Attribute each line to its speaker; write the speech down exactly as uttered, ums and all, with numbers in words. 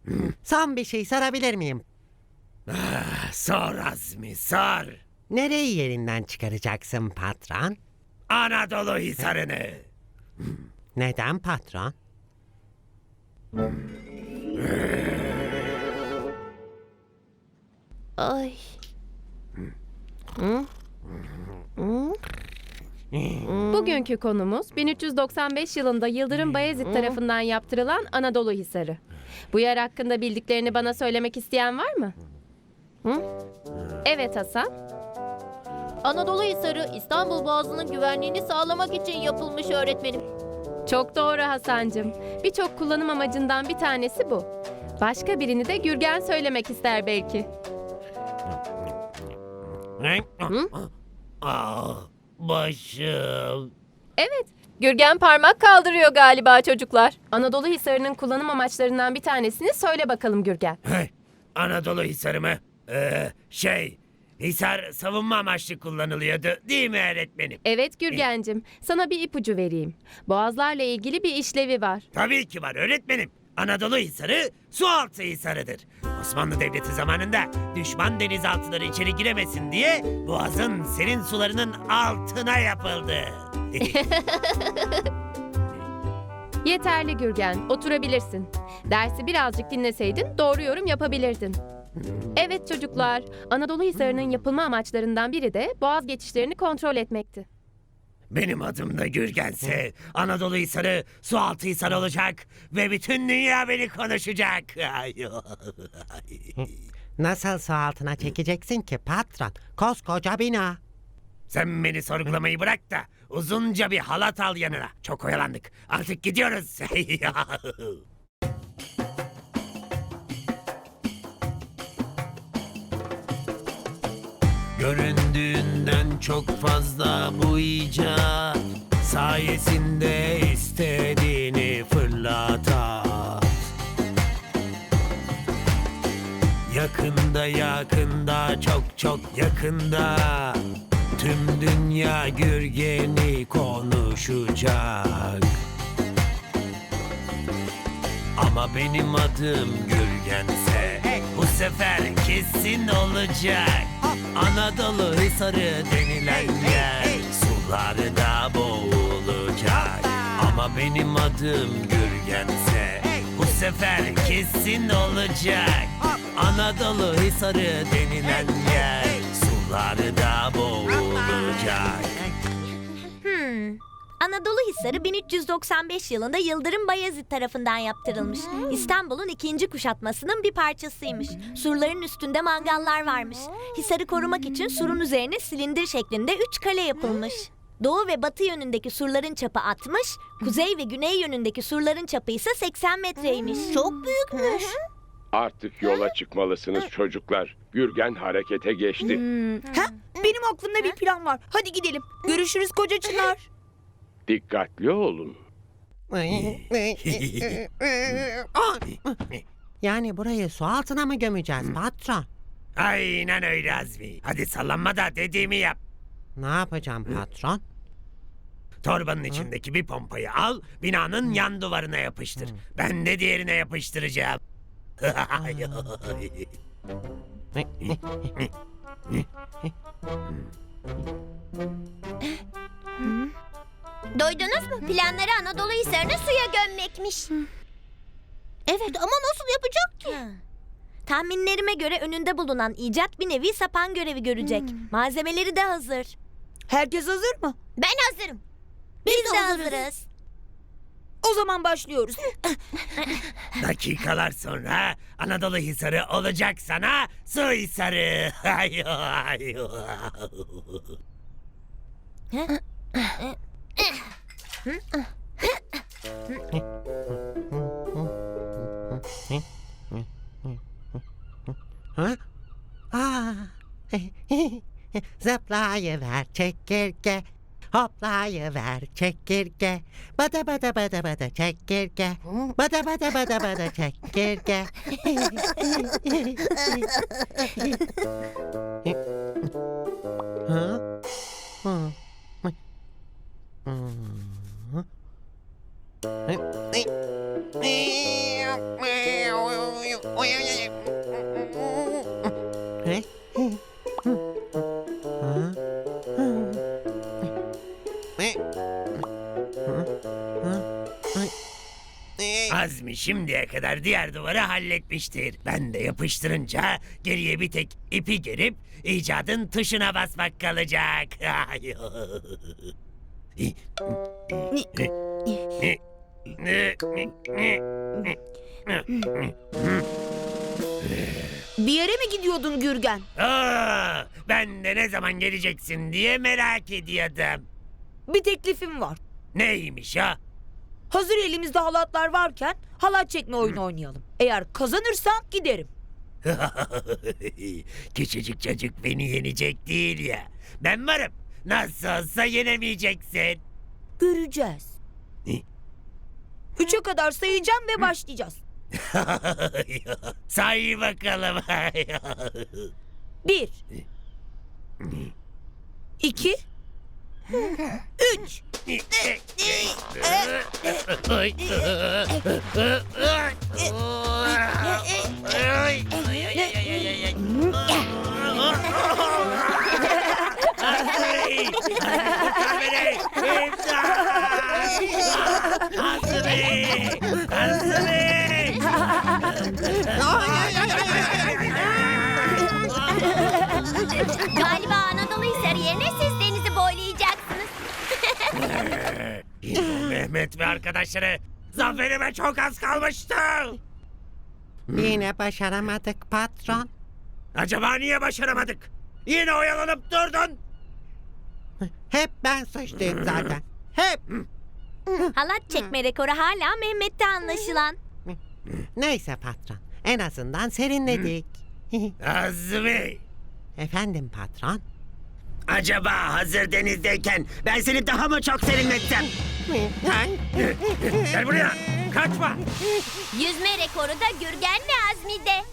Speaker 1: Son bir şey sorabilir miyim?
Speaker 2: Ah, sor Azmi, sor.
Speaker 1: Nereyi yerinden çıkaracaksın patron?
Speaker 2: Anadolu Hisarı'nı.
Speaker 1: Neden patron?
Speaker 3: Ay.
Speaker 4: Bugünkü konumuz bin üç yüz doksan beş yılında Yıldırım Bayezid tarafından yaptırılan Anadolu Hisarı. Bu yer hakkında bildiklerini bana söylemek isteyen var mı? Hı? Evet Hasan.
Speaker 3: Anadolu Hisarı İstanbul Boğazı'nın güvenliğini sağlamak için yapılmış öğretmenim.
Speaker 4: Çok doğru Hasancığım. Birçok kullanım amacından bir tanesi bu. Başka birini de Gürgen söylemek ister belki.
Speaker 2: Ah, başım.
Speaker 4: Evet, Gürgen parmak kaldırıyor galiba çocuklar. Anadolu Hisarı'nın kullanım amaçlarından bir tanesini söyle bakalım Gürgen.
Speaker 2: Hey, Anadolu Hisarı mı? Ee, şey, Hisar savunma amaçlı kullanılıyordu değil mi öğretmenim?
Speaker 4: Evet Gürgencim, sana bir ipucu vereyim. Boğazlarla ilgili bir işlevi var.
Speaker 2: Tabii ki var öğretmenim. Anadolu Hisarı sualtı hisarıdır. Osmanlı Devleti zamanında düşman denizaltıları içeri giremesin diye boğazın serin sularının altına yapıldı.
Speaker 4: Yeterli Gürgen, oturabilirsin. Dersi birazcık dinleseydin doğru yorum yapabilirdin. Evet çocuklar, Anadolu Hisarı'nın yapılma amaçlarından biri de boğaz geçişlerini kontrol etmekti.
Speaker 2: Benim adım da Gürgense Anadolu Hisarı sualtı hisar olacak ve bütün dünya beni konuşacak.
Speaker 1: Nasıl su altına çekeceksin ki patron? Koskoca bina.
Speaker 2: Sen beni sorgulamayı bırak da uzunca bir halat al yanına. Çok oyalandık. Artık gidiyoruz. Göründüğünden çok fazla bu icat sayesinde istediğini fırlatar. Yakında yakında çok çok yakında tüm dünya Gürgen'i konuşacak. Ama benim adım Gürgense bu sefer kesin olacak. Anadolu Hisarı denilen yer sularda boğulacak. Ama benim adım Gürgense bu sefer kesin olacak. Anadolu Hisarı denilen yer sularda boğulacak.
Speaker 5: Hmm. Anadolu Hisarı bin üç yüz doksan beş yılında Yıldırım Bayezid tarafından yaptırılmış. İstanbul'un ikinci kuşatmasının bir parçasıymış. Surların üstünde mangallar varmış. Hisarı korumak için surun üzerine silindir şeklinde üç kale yapılmış. Doğu ve batı yönündeki surların çapı altmış, kuzey ve güney yönündeki surların çapı ise seksen metreymiş. Çok büyükmüş.
Speaker 6: Artık yola çıkmalısınız çocuklar. Gürgen harekete geçti.
Speaker 7: Ha? Benim aklımda bir plan var. Hadi gidelim. Görüşürüz koca Çınar.
Speaker 6: Dikkatli olun.
Speaker 1: Yani burayı su altına mı gömeceğiz patron?
Speaker 2: Aynen öyle Azmi. Hadi sallanma da dediğimi yap.
Speaker 1: Ne yapacağım patron?
Speaker 2: Torbanın içindeki bir pompayı al, binanın yan duvarına yapıştır. Ben de diğerine yapıştıracağım.
Speaker 5: Duydunuz mu? Planları Anadolu Hisarı'nı suya gömmekmiş. Evet ama nasıl yapacak ki? Tahminlerime göre önünde bulunan icat bir nevi sapan görevi görecek. Malzemeleri de hazır.
Speaker 7: Herkes hazır mı?
Speaker 5: Ben hazırım. Biz, de hazırız.
Speaker 7: O zaman başlıyoruz.
Speaker 2: Dakikalar sonra Anadolu Hisarı olacak sana su hisarı.
Speaker 1: Ha? Aa. Zıplayıver çekirge. Hoplayıver çekirge. Bada bada bada bada çekirge. Bada bada bada bada çekirge. Ha? Hı. Hı. Oy, oy, oy. He? Ha? He? Ha? Ay. Ee,
Speaker 2: Azmi şimdiye kadar diğer duvarı halletmiştir. Ben de yapıştırınca geriye bir tek ipi gerip icadın tuşuna basmak kalacak.
Speaker 7: Bir yere mi gidiyordun Gürgen?
Speaker 2: Aa, ben de ne zaman geleceksin diye merak ediyordum.
Speaker 7: Bir teklifim var.
Speaker 2: Neymiş ha?
Speaker 7: Hazır elimizde halatlar varken halat çekme oyunu oynayalım. Eğer kazanırsan giderim.
Speaker 2: Küçücük çocuk beni yenecek değil ya. Ben varım. Nasıl olsa yenemeyeceksin.
Speaker 7: Göreceğiz. Üçe kadar sayacağım ve başlayacağız.
Speaker 2: Say bakalım.
Speaker 7: Bir. İki. Üç.
Speaker 5: Galiba Anadolu Hisarı yerine siz denizi boylayacaksınız.
Speaker 2: Mehmet ve arkadaşları zaferime çok az kalmıştı.
Speaker 1: Yine başaramadık patron.
Speaker 2: Acaba niye başaramadık? Yine oyalanıp durdun.
Speaker 1: Hep ben suçluyum zaten. Hep.
Speaker 5: Halat çekme rekoru hala Mehmet'te anlaşılan.
Speaker 1: Neyse patron. En azından serinledik.
Speaker 2: Azmi,
Speaker 1: Efendim patron.
Speaker 2: acaba hazır denizdeyken ben seni daha mı çok serinletsem? Gel buraya, kaçma.
Speaker 5: Yüzme rekoru da Gürgen ve Azmi'de.